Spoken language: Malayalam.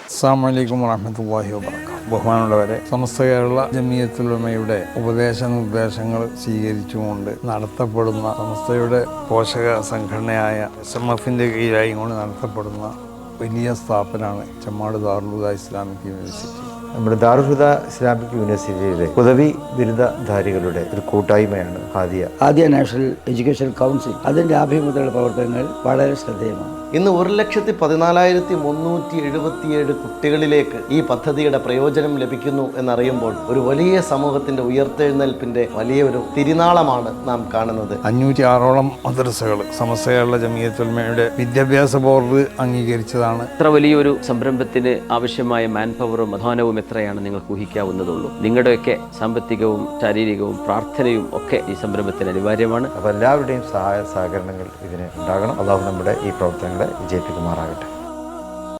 അസ്സലാമു അലൈക്കും വറഹ്മത്തുള്ളാഹി വബറകാതുഹു. ബഹുമാനമുള്ളവരെ, സമസ്ത കേരള ജമിയത്തുൽ ഉലമയുടെ ഉപദേശ നിർദ്ദേശങ്ങൾ സ്വീകരിച്ചുകൊണ്ട് നടത്തപ്പെടുന്ന സമസ്തയുടെ പോഷക സംഘടനയായ SMF-ന്റെ കീഴിലായി കൊണ്ട് നടത്തപ്പെടുന്ന വലിയ സ്ഥാപനമാണ് ചെമ്മാട് ദാറുൽ ഹുദ ഇസ്ലാമിക് യൂണിവേഴ്സിറ്റി. നമ്മുടെ ദാറുൽ ഹുദ ഇസ്ലാമിക് യൂണിവേഴ്സിറ്റിയിലെ പദവി ബിരുദധാരികളുടെ ഒരു കൂട്ടായ്മയാണ് ഹാദിയ നാഷണൽ എഡ്യൂക്കേഷൻ കൗൺസിൽ. അതിൻ്റെ ആഭിമുഖ്യത്തിലുള്ള പ്രവർത്തനങ്ങൾ വളരെ ശ്രദ്ധേയമാണ്. ഇന്ന് 1,14,377 കുട്ടികളിലേക്ക് ഈ പദ്ധതിയുടെ പ്രയോജനം ലഭിക്കുന്നു എന്നറിയുമ്പോൾ ഒരു വലിയ സമൂഹത്തിന്റെ ഉയർത്തെഴുന്നേൽപ്പിന്റെ വലിയൊരു തിരുനാളമാണ് നാം കാണുന്നത്. 506ഓളം മദ്രസകൾ സമസ്ത കേരള ജമിയത്തുൽ ഉലമയുടെ വിദ്യാഭ്യാസ ബോർഡ് അംഗീകരിച്ചതാണ്. ഇത്ര വലിയൊരു സംരംഭത്തിന് ആവശ്യമായ മാൻ പവറും അധ്വാനവും എത്രയാണ് നിങ്ങൾക്ക് ഊഹിക്കാവുന്നതുള്ളൂ. നിങ്ങളുടെയൊക്കെ സാമ്പത്തികവും ശാരീരികവും പ്രാർത്ഥനയും ഒക്കെ ഈ സംരംഭത്തിന് അനിവാര്യമാണ്. അപ്പോൾ എല്ലാവരുടെയും സഹായ സഹകരണങ്ങൾ ഇതിന് ഉണ്ടാകണം. അല്ലാഹു നമ്മുടെ ഈ പ്രവർത്തനങ്ങളെ വിജയിപ്പിക്കുമാറാകട്ടെ.